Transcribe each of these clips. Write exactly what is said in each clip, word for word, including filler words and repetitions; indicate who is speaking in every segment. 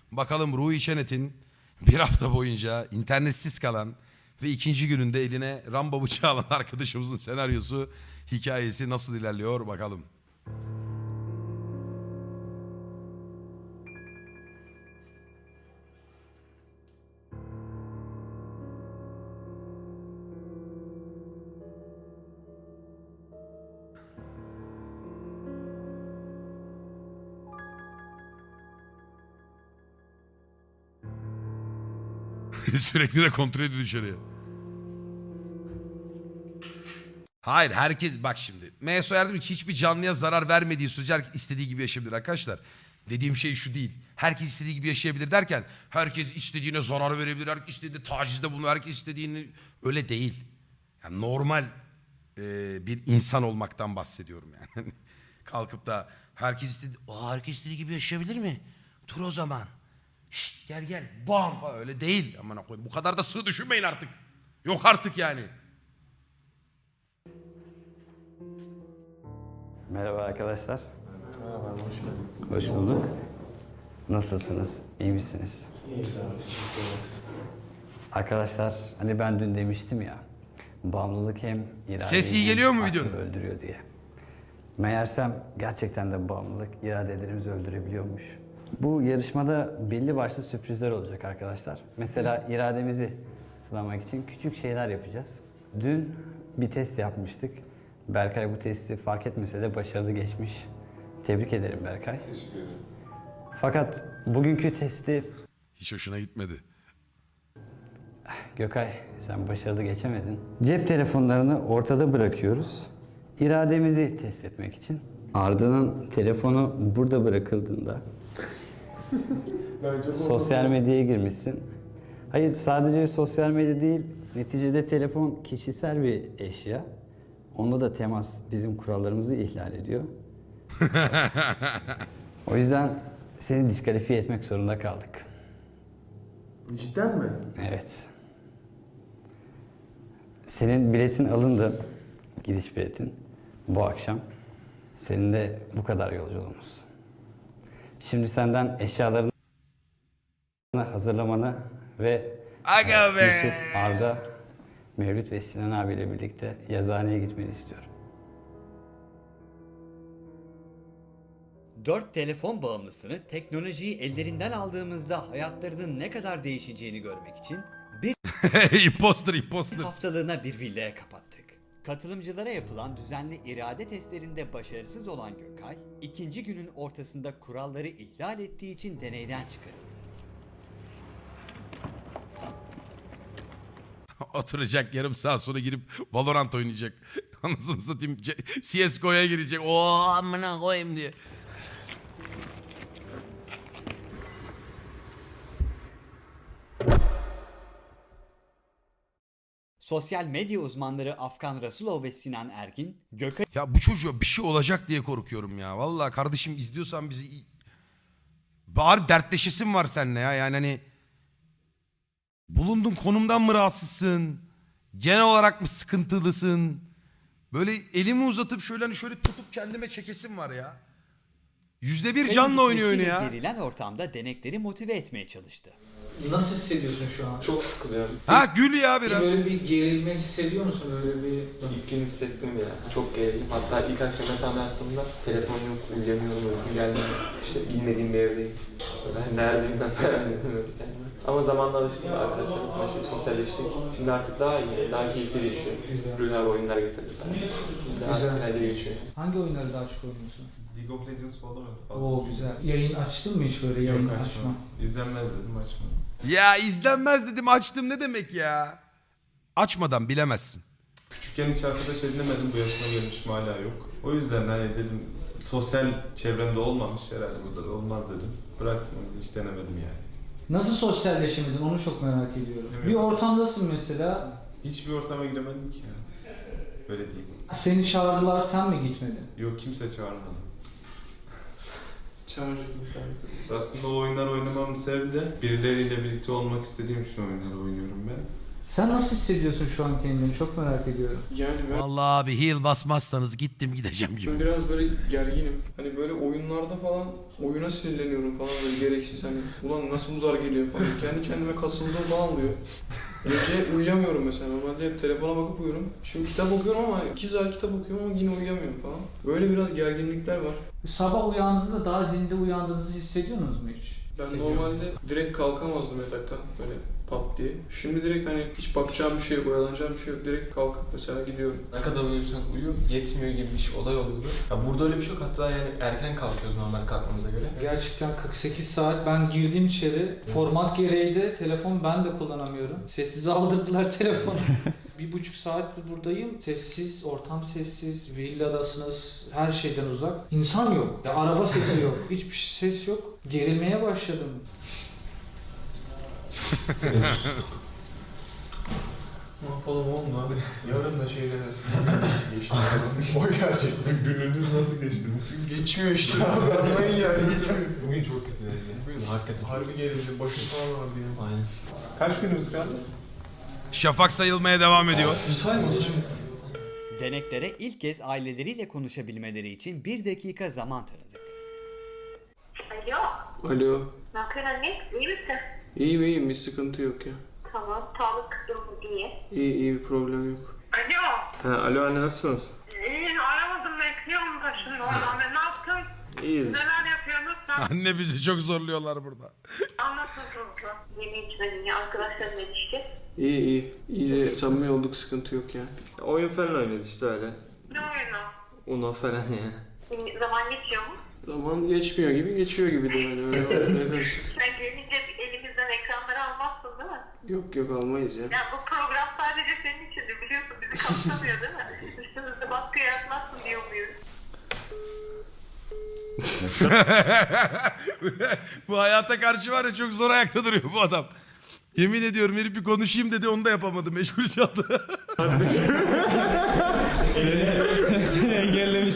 Speaker 1: Bakalım Ruhi Çenet'in bir hafta boyunca internetsiz kalan ve ikinci gününde eline Rambo bıçağı alan arkadaşımızın senaryosu, hikayesi nasıl ilerliyor bakalım. Sürekli de kontrol ediyor dışarıya. Hayır, herkes bak şimdi. M S O yardım ki hiçbir canlıya zarar vermediği sürece herkes istediği gibi yaşayabilir arkadaşlar. Dediğim şey şu değil. Herkes istediği gibi yaşayabilir derken herkes istediğine zarar verebilir, herkes istediği tacizde bulunur, herkes istediğini, öyle değil. Yani normal e, bir insan olmaktan bahsediyorum yani. Kalkıp da herkes istediği, Aa, herkes istediği gibi yaşayabilir mi? Dur o zaman. Şşt, gel gel bam falan, öyle değil. Aman koyayım, bu kadar da sığ düşünmeyin artık. Yok artık yani.
Speaker 2: Merhaba arkadaşlar.
Speaker 3: Merhaba, hoş geldin.
Speaker 2: Hoş bulduk. Nasılsınız? İyi misiniz?
Speaker 3: İyiyiz abi, teşekkür ederiz.
Speaker 2: Arkadaşlar hani ben dün demiştim ya, bağımlılık hem iradeyi
Speaker 1: Ses iyi
Speaker 2: hem
Speaker 1: geliyor mu
Speaker 2: aklı
Speaker 1: videonun?
Speaker 2: öldürüyor diye. Meğersem gerçekten de bağımlılık iradelerimizi öldürebiliyormuş. Bu yarışmada belli başlı sürprizler olacak arkadaşlar. Mesela irademizi sınamak için küçük şeyler yapacağız. Dün bir test yapmıştık. Berkay bu testi fark etmese de başarılı geçmiş. Tebrik ederim Berkay.
Speaker 3: Teşekkür ederim.
Speaker 2: Fakat bugünkü testi
Speaker 1: Hiç hoşuna gitmedi.
Speaker 2: Gökay sen başarılı geçemedin. Cep telefonlarını ortada bırakıyoruz. İrademizi test etmek için. Arda'nın telefonu burada bırakıldığında
Speaker 3: Ben çok
Speaker 2: sosyal medyaya girmişsin. Hayır, sadece sosyal medya değil, neticede telefon kişisel bir eşya. Onda da temas bizim kurallarımızı ihlal ediyor. O yüzden seni diskalifiye etmek zorunda kaldık.
Speaker 3: Cidden mi?
Speaker 2: Evet. Senin biletin alındı, gidiş biletin bu akşam. Senin de bu kadar yolculuğumuz. Şimdi senden eşyalarını hazırlamanı ve
Speaker 1: Aga
Speaker 2: e,
Speaker 1: be!
Speaker 2: Yusuf, Arda, Mevlüt ve Sinan abiyle birlikte yazıhaneye gitmeni istiyorum.
Speaker 4: Dört telefon bağımlısını teknolojiyi ellerinden aldığımızda hayatlarının ne kadar değişeceğini görmek için bir
Speaker 1: imposter imposter.
Speaker 4: haftalığına bir villaya kapattık. Katılımcılara yapılan düzenli irade testlerinde başarısız olan Gökay, ikinci günün ortasında kuralları ihlal ettiği için deneyden çıkarıldı.
Speaker 1: Oturacak yarım saat sonra girip Valorant oynayacak. Anasını satayım, C S G O'ya girecek. Oo amına koyayım diye.
Speaker 4: Sosyal medya uzmanları Afgan Rasulov ve Sinan Ergin, Gökay
Speaker 1: Ya bu çocuğa bir şey olacak diye korkuyorum ya. Vallahi kardeşim, izliyorsan bizi... Bari dertleşesin var seninle ya. Yani hani... Bulunduğun konumdan mı rahatsızsın? Genel olarak mı sıkıntılısın? Böyle elimi uzatıp şöyle hani şöyle tutup kendime çekesim var ya. Yüzde bir canla oynuyor oyunu ya.
Speaker 4: gerilen ortamda denekleri motive etmeye çalıştı.
Speaker 5: Nasıl hissediyorsun şu an?
Speaker 6: Çok sıkılıyorum.
Speaker 1: Ha gül ya biraz.
Speaker 5: Böyle bir gerilme hissediyor musun? Böyle bir...
Speaker 6: İlk gün hissettim ya. Çok gerildim. Hatta ilk akşam yatağıma yattığımda telefon yok, uyuyamıyorum, uykum gelmiyor. İşte bilmediğim bir evdeyim. Ben neredeyim ben falan dedim öyle kendime. Ama zamanla alıştım arkadaşlarla tanıştık, sosyalleştik. Şimdi artık daha iyi, daha keyifli geçiyor.
Speaker 5: Güzel.
Speaker 6: Rüya ve oyunlar getirdi falan. Daha
Speaker 5: Güzel.
Speaker 6: eğlenceli geçiyor.
Speaker 5: Hangi oyunları daha çok oynuyorsun?
Speaker 7: League of Legends falan falan.
Speaker 5: Oo güzel. Yayın açtın mı hiç böyle yayın
Speaker 7: Yok
Speaker 5: açma?
Speaker 7: açmam. İzlenmez dedim açmadım.
Speaker 1: Ya izlenmez dedim, açtım ne demek ya? Açmadan bilemezsin.
Speaker 7: Küçükken hiç arkadaş edinemedim, bu yaşıma gelmişim hala yok. O yüzden hani dedim sosyal çevremde olmamış herhalde, burada da olmaz dedim. Bıraktım onu, hiç denemedim yani.
Speaker 5: Nasıl sosyalleşemedin onu çok merak ediyorum.
Speaker 7: Evet.
Speaker 5: Bir ortamdasın mesela,
Speaker 7: Hiçbir ortama giremedim ki yani. Öyle diyeyim.
Speaker 5: seni çağırdılar sen mi gitmedin?
Speaker 7: Yok, kimse çağırmadı.
Speaker 6: Çağıracak insan.
Speaker 7: Aslında o oyunlar oynamamın sebebi de birileriyle birlikte olmak istediğim için oyunları oynuyorum ben.
Speaker 5: Sen nasıl hissediyorsun şu an kendini? Çok merak ediyorum.
Speaker 3: Yani ben
Speaker 1: Vallahi abi heal basmazsanız gittim gideceğim gibi.
Speaker 3: Ben biraz böyle gerginim. Hani böyle oyunlarda falan oyuna sinirleniyorum falan böyle gereksiz hani ulan nasıl uzar geliyor falan. Kendi kendime kasıldığım falan oluyor. Gece uyuyamıyorum mesela. Normalde hep telefona bakıp uyurum. Şimdi kitap okuyorum ama iki saat kitap okuyorum ama yine uyuyamıyorum falan. Böyle biraz gerginlikler var.
Speaker 5: Sabah uyandığınızda daha zinde uyandığınızı hissediyorsunuz mu hiç?
Speaker 3: Ben normalde direkt kalkamazdım yataktan böyle pat diye. Şimdi direkt hani hiç bakacağım bir şey yok, oyalanacağım bir şey yok. Direkt kalkıp mesela gidiyorum.
Speaker 6: Ne kadar uyursan uyu yetmiyor gibi bir şey, olay oluyordu. Ya burada öyle bir şey yok. Hatta yani erken kalkıyoruz normal kalkmamıza göre.
Speaker 5: Gerçekten kırk sekiz saat ben girdim içeri. Format gereği de telefon ben de kullanamıyorum. Sessize aldırdılar telefonu. Bir buçuk saattir buradayım. Sessiz, ortam sessiz, villadasınız, her şeyden uzak. İnsan yok. Ya araba sesi yok. Hiçbir ses yok. Gerilmeye başladım.
Speaker 3: Ne yapalım oğlum abi? Yarın da şey dersin. Nasıl geçti? O gerçekten gününüz nasıl geçti? Geçmiyor işte abi anlayın yani geçmiyor.
Speaker 6: Bugün çok kötü yani. Bugün hakikaten.
Speaker 3: Harbi gerildi, başım falan vardı ya.
Speaker 6: Aynen.
Speaker 7: Kaç günümüz kaldı?
Speaker 1: Şafak sayılmaya devam ediyor.
Speaker 3: Sayma sayma.
Speaker 4: Deneklere ilk kez aileleriyle konuşabilmeleri için bir dakika zaman tanıdık.
Speaker 8: Alo,
Speaker 3: Alo.
Speaker 8: ne yapıyorsun anne? İyi misin?
Speaker 3: İyiyim iyiyim bir sıkıntı yok ya.
Speaker 8: Tamam, sağlık durumu iyi.
Speaker 3: İyi iyi bir problem yok.
Speaker 8: Alo,
Speaker 7: Ha, alo anne nasılsınız?
Speaker 8: iyi aramadım bekliyorum da şimdi oradan. Ne yaptın?
Speaker 7: İyiyiz.
Speaker 8: Neler yapıyorsunuz sen?
Speaker 1: Anne bizi çok zorluyorlar burada.
Speaker 8: Anlatılsın. Yeni içmedin ya, arkadaşlarla ilişki.
Speaker 3: İyi iyi. İyice samimi olduk sıkıntı yok ya.
Speaker 7: Oyun falan oynuyoruz işte öyle.
Speaker 8: Ne oyunu?
Speaker 7: Uno falan ya.
Speaker 8: Zaman geçiyor mu?
Speaker 3: Zaman geçmiyor gibi geçiyor gibi de yani öyle ortaya karışık.
Speaker 8: Sen gelince elimizden ekranları almazsın değil mi?
Speaker 3: Yok yok almayız ya.
Speaker 8: Ya bu program sadece senin içindi biliyorsun, bizi kapsamıyor değil mi? Üstümüzde baskı yaratmazsın diye umuyoruz.
Speaker 1: Bu hayata karşı var ya çok zor ayakta duruyor bu adam. Yemin ediyorum herif bir konuşayım dedi onu da yapamadı meşgul çaldı.
Speaker 5: Seni engellemiş.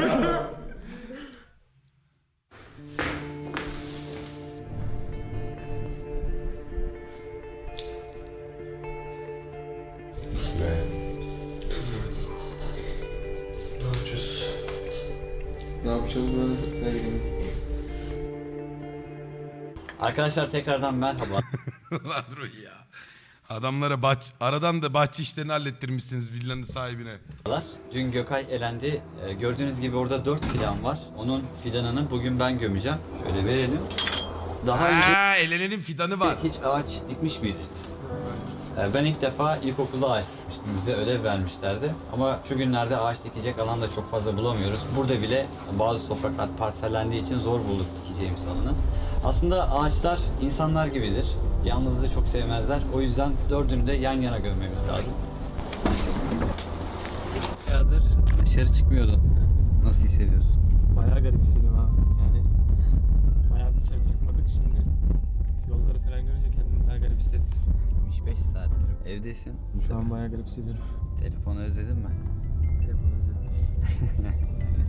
Speaker 3: Ne yapacağız? Ne yapacağız ben? Ne bileyim.
Speaker 2: Arkadaşlar tekrardan merhaba.
Speaker 1: Lan Ruhi ya. Adamlara bahç aradan da bahçe işlerini hallettirmişsiniz villanın sahibine.
Speaker 2: Dün Gökay elendi. Ee, gördüğünüz gibi orada dört fidan var. Onun fidanını bugün ben gömeceğim. Şöyle verelim. Daha önce
Speaker 1: Ha, elenenin fidanı var.
Speaker 2: hiç ağaç dikmiş miydiniz? Ee, Ben ilk defa ilkokulda ağaç dikmiştim. Bize ödev vermişlerdi. Ama şu günlerde ağaç dikecek alan da çok fazla bulamıyoruz. Burada bile bazı topraklar parsellendiği için zor bulduk dikeceğimiz alanı. Aslında ağaçlar insanlar gibidir. Yalnızlığı çok sevmezler. O yüzden dördünü de yan yana gömmemiz lazım. Bayağıdır dışarı çıkmıyordun. Nasıl hissediyorsun?
Speaker 6: Bayağı garip hissediyorum abi. Yani bayağı dışarı çıkmadık şimdi. Yolları falan görünce kendimi daha garip hissettim.
Speaker 2: yetmiş beş saattir evdesin.
Speaker 6: Şu an bayağı garip hissediyorum.
Speaker 2: Telefonu özledin mi?
Speaker 6: Telefonu özledim.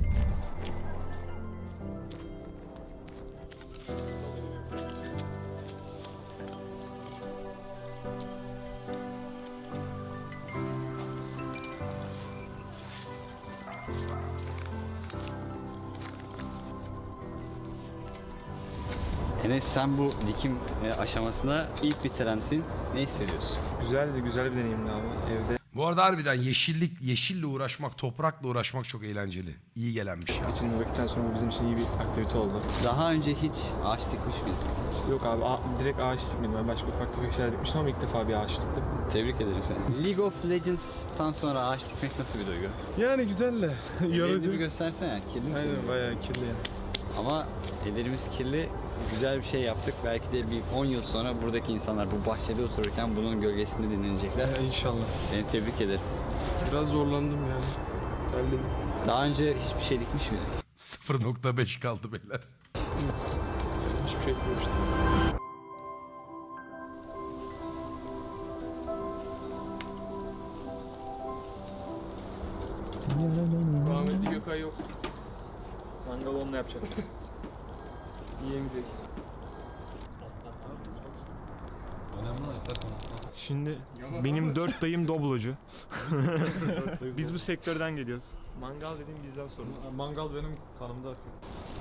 Speaker 2: Enes sen bu dikim e, aşamasına ilk bitirensin. Ne hissediyorsun?
Speaker 6: Güzeldi, güzel bir deneyimdi abi. Evde
Speaker 1: Bu arada harbiden yeşillik, yeşille uğraşmak, toprakla uğraşmak çok eğlenceli. İyi gelenmiş ya.
Speaker 6: geçirmekten sonra bizim için iyi bir aktivite oldu.
Speaker 2: Daha önce hiç ağaç dikmiş miydin?
Speaker 6: Yok abi a- direkt ağaç dikmedim. Ben başka ufak tefek şeyler dikmiştim ama ilk defa bir ağaç diktim.
Speaker 2: Tebrik ederim seni. League of Legends'tan sonra ağaç dikmek nasıl bir duygu?
Speaker 6: Yani güzel de
Speaker 2: Ellerini bir göstersene. Kirli mi?
Speaker 6: Aynen bayağı kirli yani.
Speaker 2: Ama ellerimiz kirli. Güzel bir şey yaptık. Belki de bir on yıl sonra buradaki insanlar bu bahçede otururken bunun gölgesinde dinlenecekler.
Speaker 3: İnşallah.
Speaker 2: Seni tebrik ederim.
Speaker 3: Biraz zorlandım yani. Geldim.
Speaker 2: Daha önce hiçbir şey dikmiş miydin?
Speaker 1: sıfır nokta beş kaldı beyler.
Speaker 3: Hiçbir şey etmemiştim. Rahmetli Gökay yok.
Speaker 6: Mangal onunla yapacak.
Speaker 3: Yiyemeyecek.
Speaker 2: Önemli olan
Speaker 9: Şimdi benim dört dayım doblocu. Biz bu sektörden geliyoruz. Mangal dediğim bizden sorun.
Speaker 7: Mangal benim kanımda akıyor.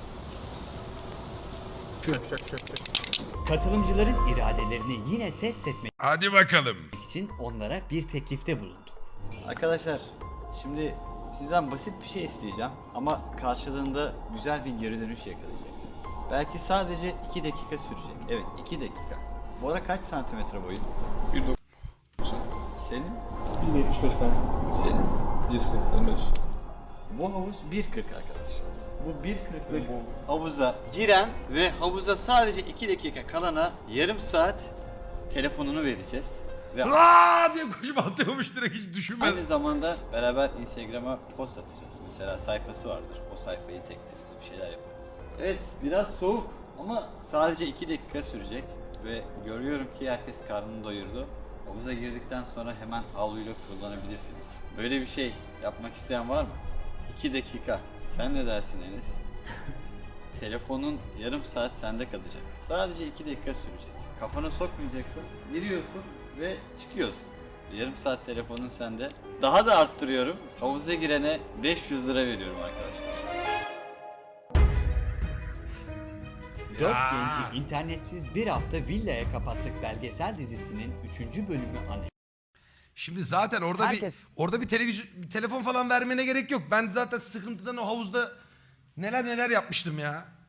Speaker 4: Katılımcıların iradelerini yine test etmek
Speaker 1: Hadi bakalım.
Speaker 4: için onlara bir teklifte bulunduk.
Speaker 2: Arkadaşlar şimdi sizden basit bir şey isteyeceğim ama karşılığında güzel bir geri dönüş yakalayacaksınız. Belki sadece iki dakika sürecek. Evet, iki dakika. Bu ara kaç santimetre boyun?
Speaker 3: bir doksan.
Speaker 2: Senin?
Speaker 7: bir yetmiş beş falan.
Speaker 2: Senin?
Speaker 7: bir seksen beş.
Speaker 2: Bu havuz bir kırk arkadaşlar. Bu bir kırklık havuza giren ve havuza sadece iki dakika kalana yarım saat telefonunu vereceğiz. Ve
Speaker 1: Aa diye koşup atlıyormuş direkt hiç düşünmeden.
Speaker 2: aynı zamanda beraber Instagram'a post atacağız. Mesela sayfası vardır. O sayfayı tekleriz, bir şeyler yaparız. Evet, biraz soğuk ama sadece iki dakika sürecek ve görüyorum ki herkes karnını doyurdu. Havuza girdikten sonra hemen havluyla kullanabilirsiniz. Böyle bir şey yapmak isteyen var mı? iki dakika. Sen ne dersin Enes? Telefonun yarım saat sende kalacak. Sadece iki dakika sürecek. Kafana sokmayacaksın, giriyorsun ve çıkıyorsun. Yarım saat telefonun sende. Daha da arttırıyorum. Havuza girene beş yüz lira veriyorum arkadaşlar.
Speaker 4: Dört genci internetsiz bir hafta villaya kapattık belgesel dizisinin üçüncü bölümü anı.
Speaker 1: Şimdi zaten orada
Speaker 4: Herkes-
Speaker 1: bir orada bir televizyon bir telefon falan vermene gerek yok. Ben zaten sıkıntıdan o havuzda neler neler yapmıştım ya.